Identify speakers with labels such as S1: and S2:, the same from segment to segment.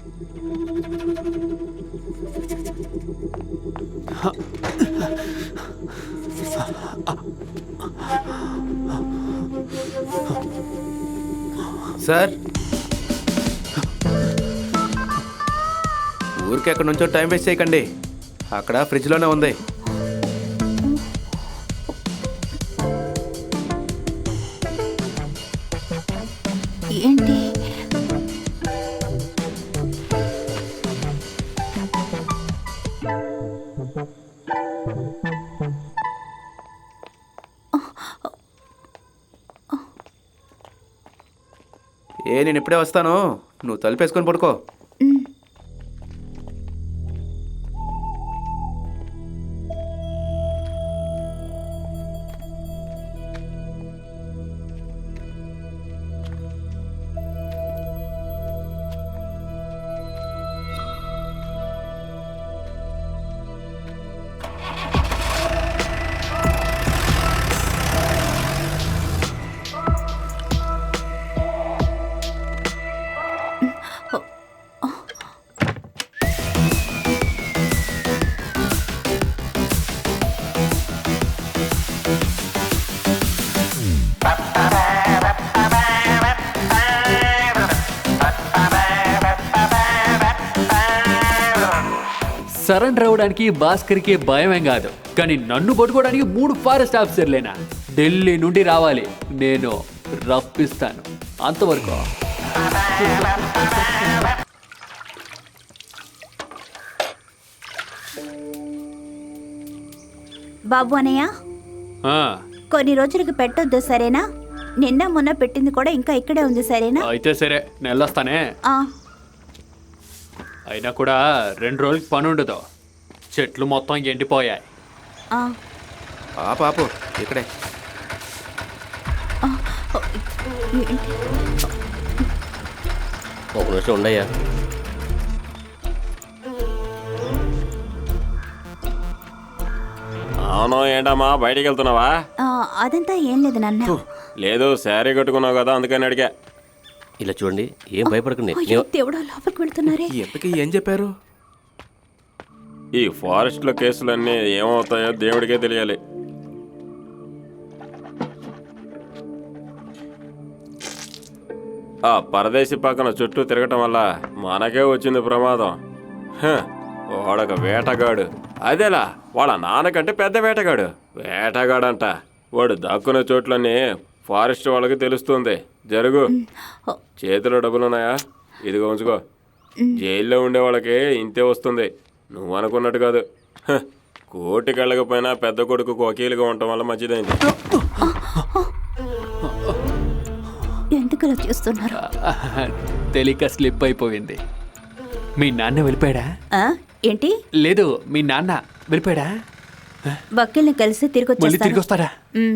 S1: Sir, ఊరికి ఎక్కడి నుంచో టైం వేస్ట్ చేయకండి. అక్కడ ఫ్రిడ్జ్లోనే ఉంది.
S2: ఏంటి?
S1: నేను ఇప్పుడే వస్తాను, నువ్వు తలుపేసుకొని పడుకో.
S3: సరెండర్ అవ్వడానికి భాస్కర్కి భయమేం కాదు, కానీ నన్ను పట్టుకోవడానికి 3 ఫారెస్ట్ ఆఫీసర్లేనా? ఢిల్లీ నుండి రావాలి, నేను రప్పిస్తాను. అంతవరకు
S2: బాబు అనయ్య, కొన్ని రోజులకి పెట్టొద్దు సరేనా? నిన్న మొన్న పెట్టింది కూడా ఇంకా ఇక్కడే ఉంది సరేనా?
S3: అయితే సరే, నేను వెళ్ళొస్తానే. అయినా కూడా 2 రోజులకి పని ఉండదు, చెట్లు మొత్తం ఎండిపోయాయి.
S1: పాపు ఇక్కడే.
S4: ఒక నిమిషం ఉండయ్యా. అవును, ఏంటమ్మా బయటికి వెళ్తున్నావా?
S2: అదంతా ఏం లేదు నాన్న.
S4: లేదు, శారీ కట్టుకున్నావు కదా అందుకని అడిగా. ఇలా చూడండి, ఏం భయపడకండి.
S2: దేవుడా, లోపలికి వెళ్తున్నారే.
S1: ఎంతకీ ఏం చెప్పారు?
S4: ఈ ఫారెస్ట్లో కేసులన్నీ ఏమవుతాయో దేవుడికే తెలియాలి. ఆ పరదేశి పక్కన చుట్టూ తిరగటం వల్ల మనకే వచ్చింది ప్రమాదం. వాడొక వేటగాడు. అదేలా, వాళ్ళ నాన్నకంటే పెద్ద వేటగాడు. వేటగాడంట. వాడు దాక్కునే చోట్లన్నీ ఫారెస్ట్ వాళ్ళకి తెలుస్తుంది. జరుగు. చేతిలో డబ్బులున్నాయా? ఇదిగో ఉంచుకో. జైల్లో ఉండే వాళ్ళకి ఇంతే వస్తుంది, నువ్వు అనుకున్నట్టు కాదు. కోర్టుకి వెళ్ళకపోయినా పెద్ద కొడుకు వకీలుగా ఉండటం వల్ల మంచిదైంది.
S2: ఎందుకలా చేస్తున్నారు?
S3: తెలియక స్లిప్ అయిపోయింది. మీ నాన్న వెళ్ళిపోయాడా?
S2: ఏంటి?
S3: లేదు, మీ నాన్న వెళ్ళిపోయాడా?
S2: వకీల్ని కలిసి తిరిగి
S3: వస్తారా?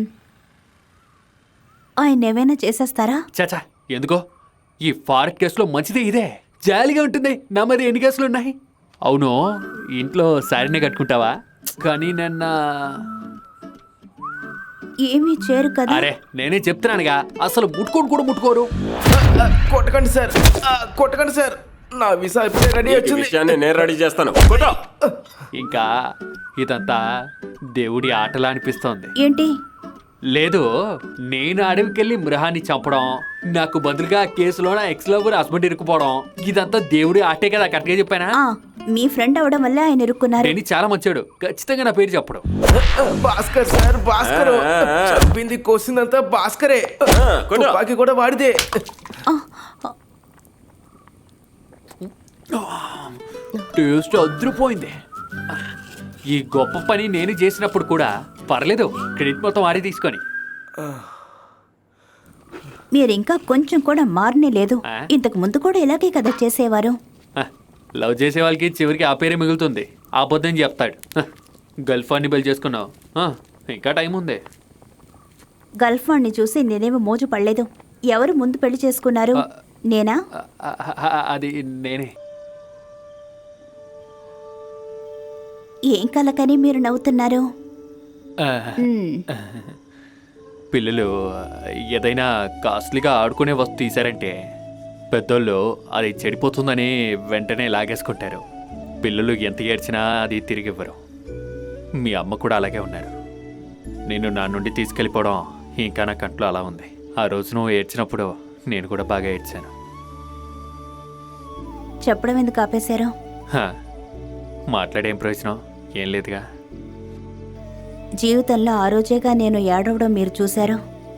S2: ఆయన ఏమైనా చేసేస్తారా?
S3: చాచా, ఎందుకో ఈ ఫారెస్ట్ కేసులో మంచిదే ఇదే, జాలీగా ఉంటుంది. నా మరి ఎన్ని కేసులు ఉన్నాయి? అవును, ఇంట్లో శారీనే కట్టుకుంటావా? కానీ నిన్న
S2: ఏమీ చేయరు కదా.
S3: అరే, నేనే చెప్తున్నానుగా, అసలు ముట్టుకోను కూడా ముట్టుకోరు.
S1: కొట్టకండి సార్, కొట్టకండి సార్. నా వీసా ఇప్పుడే రెడీ వచ్చింది.
S4: నేను రెడీ చేస్తాను.
S3: ఇంకా ఇదంతా దేవుడి ఆటలా అనిపిస్తోంది.
S2: ఏంటి?
S3: లేదు, నేను అడవికెళ్ళి మృహాన్ని చంపడం, నాకు బదులుగా కేసులో నా ఎక్స్ లవర్ హస్బెండ్ ఇరుక్కుపోవడం, ఇదంతా దేవుడి ఆటే కదా. కరెక్ట్గా చెప్పానా?
S2: మీ ఫ్రెండ్ అవడం వల్ల ఆయన ఇరుక్కున్నారు.
S3: నేను చాలా మంచాడు, ఖచ్చితంగా నా పేరు చెప్పడం.
S1: భాస్కర్ సార్, భాస్కర్ చెప్పింది కోసిందంతా భాస్కరే. తుపాకీ కూడా వాడిదే.
S3: టేస్ట్ అదిరిపోయింది. ఈ గొప్ప పని నేను చేసినప్పుడు కూడా పర్లేదు, క్రెడిట్ మొత్తం వారే తీసుకొని.
S2: మీరు ఇంకా కొంచెం కూడా మారనే లేదు. ఇంతకు ముందు కూడా ఇలాగే కదా చేసేవారు.
S3: లవ్ చేసే వాళ్ళకి చివరికి ఆ పేరే మిగులుతుంది. అబద్ధం చెప్తాడు. గర్ల్ ఫ్రెండ్ని పెళ్లి చేసుకున్నావు, ఇంకా టైం ఉంది.
S2: గర్ల్ ఫ్రెండ్ని చూసి నేనేమో మోజు పడలేదు. ఎవరు ముందు పెళ్లి చేసుకున్నారు? నేనా?
S3: అది నేనే.
S2: ఏం కలకని మీరు నవ్వుతున్నారు?
S3: పిల్లలు ఏదైనా కాస్ట్లీగా ఆడుకునే వస్తువు తీశారంటే పెద్దోళ్ళు అది చెడిపోతుందని వెంటనే లాగేసుకుంటారు. పిల్లలు ఎంత ఏడ్చినా అది తిరిగి ఇవ్వరు. మీ అమ్మ కూడా అలాగే ఉన్నారు. నేను నా నుండి తీసుకెళ్ళిపోవడం ఇంకా నా కంట్లో అలా ఉంది. ఆ రోజు నువ్వు ఏడ్చినప్పుడు నేను కూడా బాగా ఏడ్చాను.
S2: చెప్పడం ఎందుకు ఆపేశారు?
S3: హా, మాట్లాడేం ప్రయోజనం? ఏం లేదుగా.
S2: జీవితంలో ఆ రోజేగా నేను ఏడవడం మీరు చూశారు.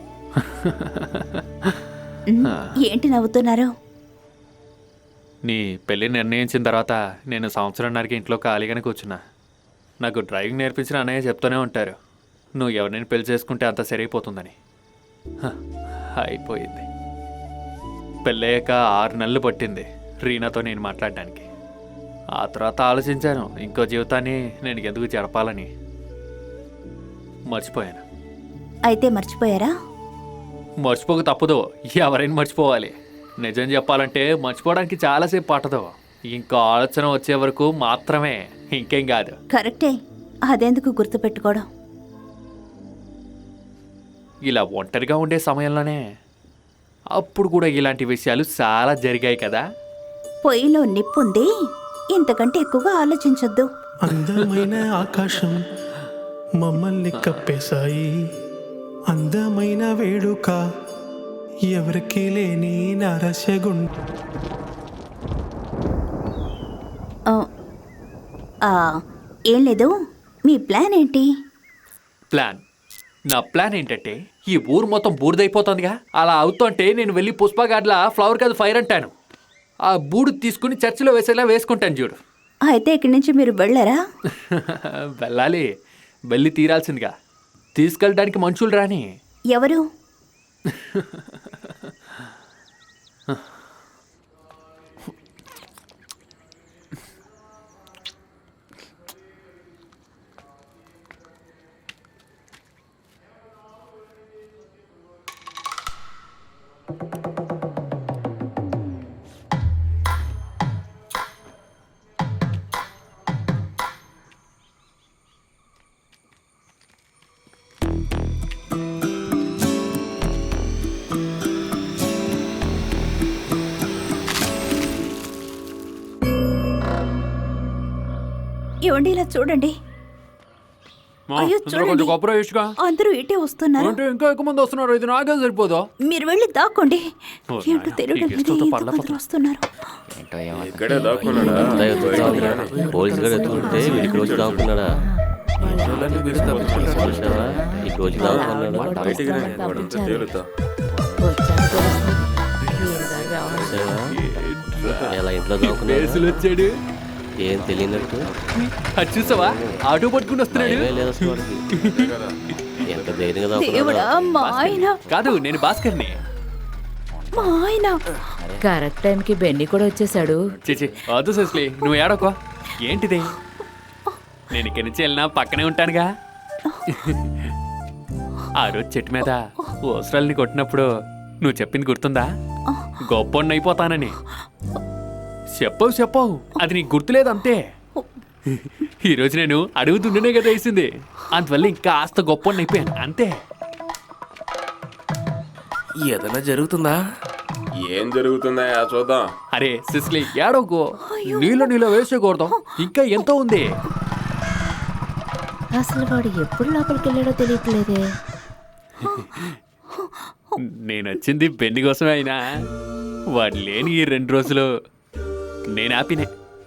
S2: ఏంటి నవ్వుతున్నారు?
S3: నీ పెళ్ళి నిర్ణయించిన తర్వాత నేను సంవత్సరంన్నరకి ఇంట్లో ఖాళీగానే కూర్చున్నా. నాకు డ్రైవింగ్ నేర్పించిన అన్నయ్య చెప్తూనే ఉంటారు, నువ్వు ఎవరినైనా పెళ్లి చేసుకుంటే అంత సరిపోతుందని. అయిపోయింది. పెళ్ళయ్యాక 6 నెలలు పట్టింది రీనాతో నేను మాట్లాడడానికి. ఆ తర్వాత ఆలోచించాను, ఇంకో జీవితాన్ని నేను ఎందుకు జరపాలని. మర్చిపోయాను.
S2: అయితే మర్చిపోయారా?
S3: మర్చిపోక తప్పదు, ఎవరైనా మర్చిపోవాలి. నిజం చెప్పాలంటే మర్చిపోవడానికి చాలాసేపు పట్టదు. ఇంకో ఆలోచన వచ్చే వరకు మాత్రమే, ఇంకేం కాదు.
S2: కరెక్టే. అదెందుకు గుర్తుపెట్టుకోవడం?
S3: ఇలా ఒంటరిగా ఉండే సమయంలోనే అప్పుడు కూడా ఇలాంటి విషయాలు చాలా జరిగాయి కదా.
S2: పొయ్యిలో నిప్పుంది, ఇంతకంటే ఎక్కువగా ఆలోచించొద్దు.
S5: అందమైన ఆకాశం మమ్మల్ని కప్పేశాయి, అందమైన వేడుక ఎవరికి లేని నరసగుండ.
S2: ఏం లేదు, మీ ప్లాన్ ఏంటి?
S3: ప్లాన్? నా ప్లాన్ ఏంటంటే ఈ ఊరు మొత్తం బూడిదైపోతుందిగా, అలా అవుతుంటే నేను వెళ్ళి పుష్పగాడ్లా ఫ్లవర్ కాదు ఫైర్ అంటాను. ఆ బూడు తీసుకుని చర్చిలో వేసేలా వేసుకుంటాను చూడు.
S2: అయితే ఇక్కడి నుంచి మీరు వెళ్ళారా?
S3: వెళ్ళాలి, వెళ్ళి తీరాల్సిందిగా. తీసుకెళ్ళడానికి మనుషులు రాని.
S2: ఎవరు? ఏమండి ఇలా చూడండి. అయ్యో చూడండి, అందరూ ఇటే వస్తున్నారు.
S3: ఇంకా ఎక్కువ మంది వస్తున్నారు, ఇది నాకే సరిపోదు.
S2: మీరు వెళ్ళి దాక్కోండి.
S3: ఓ
S2: ఏంటో
S3: నాయనా,
S2: తెలియడం
S3: ఈ
S2: లేదు,
S3: గిఫ్ట్లతో పళ్ళ
S2: ఎంతమంది వస్తున్నారు.
S4: ఇక్కడే దాక్కున్నాడా?
S6: పోలీసు గారు ఎత్తుకుంటే వీడికి రోజు దాక్కున్నాడా? చూసావా? ఈ రోజు దాక్కున్నాడా?
S4: బయటికి రా, వాడంతా తేలుతా.
S6: చూసావా? ఎలా ఇంట్లో దాక్కున్నాడు?
S3: కేసులు వచ్చాడు,
S6: ఏం తెలియనట్టు.
S3: అది చూసావా? ఆటో పట్టుకుని వస్తున్నాడు.
S6: భయమే లేదు అసలు వాడికి. ఎంత ధైర్యంగా దాక్కున్నాడు.
S2: దేవుడా, మా ఆయన,
S3: కాదు, నేను భాస్కర్ని.
S2: మా ఆయన.
S7: కరెక్ట్ టైంకి బెన్నీ కూడా వచ్చేసాడు.
S3: చేచి వద్దు సుస్లీ, నువ్వు ఏడోకో. ఏంటిది? నేను ఇక్కడి నుంచి వెళ్ళినా పక్కనే ఉంటానుగా. ఆ రోజు చెట్టు మీద ఓసరాల్ని కొట్టినప్పుడు నువ్వు చెప్పింది గుర్తుందా? గొప్ప అయిపోతానని చెప్పవు. అది నీకు గుర్తులేదు అంతే. ఈరోజు నేను అడుగుతుండేనే కదా వేసింది, అందువల్ల ఇంకా కాస్త గొప్ప అయిపోయాను అంతే.
S1: ఏదైనా జరుగుతుందా?
S4: ఏం జరుగుతుందా చూద్దాం.
S3: అరే సిస్లీ, ఏడోకో. నీలో వేసేకూడదాం, ఇంకా ఎంతో ఉంది.
S7: అసలు వాడు ఎప్పుడు లోపలికి వెళ్ళాడో తెలియట్లేదే.
S3: నేను వచ్చింది బెన్ని కోసమే అయినా వాడు లేని ఈ 2 రోజులు నేను హ్యాపీనే.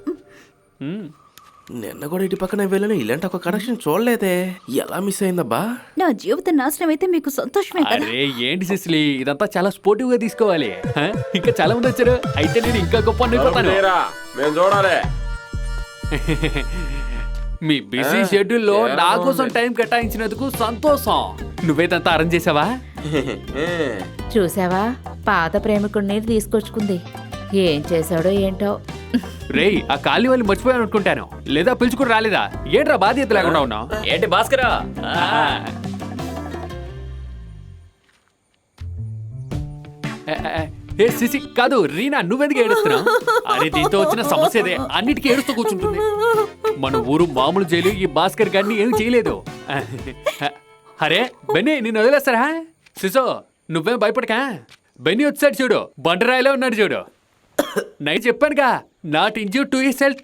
S1: నిన్న కూడా ఇటు పక్కన వెళ్ళను, ఇలాంటి ఒక కనెక్షన్ చూడలేదే. ఎలా మిస్ అయిందబ్బా?
S2: నా జీవితం నాశనం అయితే మీకు సంతోషమే కదా?
S3: అరే ఏంటి సిస్లీ, ఇదంతా చాలా స్పోర్టివ్ గా తీసుకోవాలి. ఇంకా చాలా మంది వచ్చారు, అయితే నేను ఇంకా గొప్ప అయిపోతాను.
S4: లేరా, మేము చూడాలి.
S3: మీ బిజీ షెడ్యూల్లో నా కోసం టైం కేటాయించినందుకు సంతోషం. నువ్వేదంతా అరేంజ్ చేసావా?
S7: చూసావా, పాత ప్రేమికుడిని తీసుకొచ్చుకుంది. ఏం చేశాడో ఏంటో.
S3: రేయ్, ఆ కాలి వాళ్ళు మర్చిపోయాను అనుకుంటాను, లేదా పిలుచుకుని రాలేదా? ఏంట్రా బాధ్యత లేకుండా ఉన్నావు?
S6: ఏంటి భాస్కరా?
S3: ఏ సిసి కాదు, రీనా, నువ్వెందుకు ఏడుస్తున్నావు? అరే దీంతో వచ్చిన సమస్యదే, అన్నిటికీ ఏడుస్తూ కూర్చుంటుంది. మన ఊరు మామూలు జైలు ఈ భాస్కర్ గారిని ఏం చేయలేదు. అరే బెన్నీ, నిన్ను వదిలేస్తారా? సిసో, నువ్వేం భయపడకా. బెన్నీ వచ్చాడు చూడు, బండరాయిలో ఉన్నాడు చూడు. నేను చెప్పానుగా not injure to his health.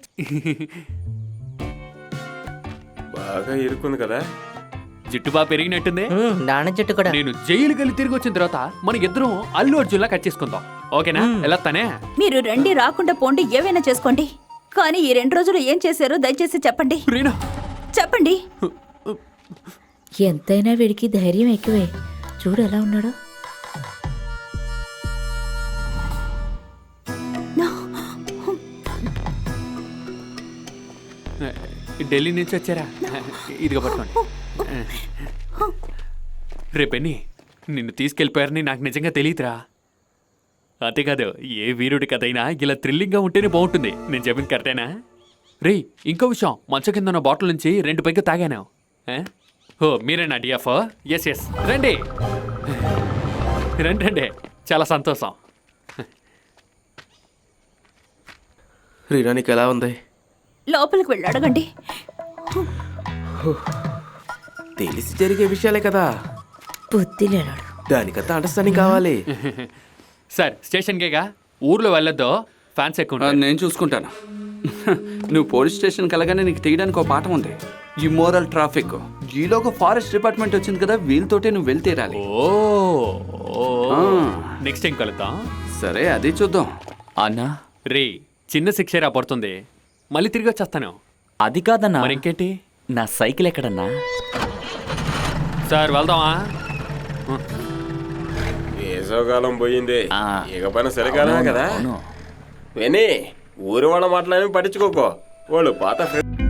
S4: బాగా ఇరుక్కుంది కదా.
S3: జుట్టు బాగా పెరిగినట్టుంది.
S6: నాన్న చెట్టు కూడా.
S3: నేను జైలుకి వెళ్ళి తిరిగి వచ్చిన తర్వాత మన ఇద్దరం అల్లు అర్జున్లా కట్ చేసుకుందాం. ఓకేనా? ఎలా తనే?
S2: మీరు రండి రాకుండా పోండి ఏవైనా చేసుకోండి, కానీ ఈ 2 రోజులు ఏం చేశారో దయచేసి చెప్పండి.
S3: రీనా,
S2: చెప్పండి.
S7: ఎంతైనా వీడికి ధైర్యం ఎక్కువే. చూడు ఎలా ఉన్నాడో.
S3: ఢిల్లీ నుంచి వచ్చారా? ఇదిగో పట్టుకోండి. రేపెన్ని నిన్ను తీసుకెళ్ళిపోయారని నాకు నిజంగా తెలియదురా. అంతేకాదు, ఏ వీరుడి కథ అయినా ఇలా థ్రిల్లింగ్గా ఉంటేనే బాగుంటుంది. నేను చెప్పింది కరెక్టేనా? రేయ్, ఇంకో విషయం, మంచం కింద ఉన్న బాటిల్ నుంచి 2 పైకి తాగాను. ఓ మీరేనా డిఎఫ్? ఎస్ ఎస్, రండి రండి రండి, చాలా సంతోషం.
S1: రీనా నీకు ఎలా ఉంది?
S2: లోపలికి వెళ్ళి అడగండి.
S1: తెలిసి జరిగే విషయాలే కదా,
S7: బుద్ధి లేనాడు.
S1: దానికంతా అండర్స్టాండింగ్ కావాలి.
S3: సార్, స్టేషన్కేగా, ఊర్లో వెళ్ళొద్దు, ఫ్యాన్స్ ఎక్కువ ఉంటారు.
S8: నేను చూసుకుంటాను. నువ్వు పోలీస్ స్టేషన్కి వెళ్ళగానే నీకు తీయడానికి ఒక పాఠం ఉంది, ఇమ్మోరల్ ట్రాఫిక్. ఈలోగా ఫారెస్ట్ డిపార్ట్మెంట్ వచ్చింది కదా, వీళ్ళతోటే నువ్వు వెళ్తేరాలి.
S3: నెక్స్ట్ టైం కలుద్దాం.
S8: సరే, అది చూద్దాం.
S6: అన్నా,
S3: రే, చిన్న శిక్ష పడుతుంది, మళ్ళీ తిరిగి వచ్చేస్తాను.
S6: అది కాదన్నా.
S3: మరి ఇంకేంటి?
S6: నా సైకిల్ ఎక్కడన్నా?
S3: సార్ వెళ్దామా?
S4: వేసవకాలం పోయింది,
S6: ఆ.
S4: ఇక పైన చలికాలమే కదా.
S6: అవును.
S4: విని ఊరి వాళ్ళ మాటలేమి పట్టించుకోకో, వాళ్ళు పాత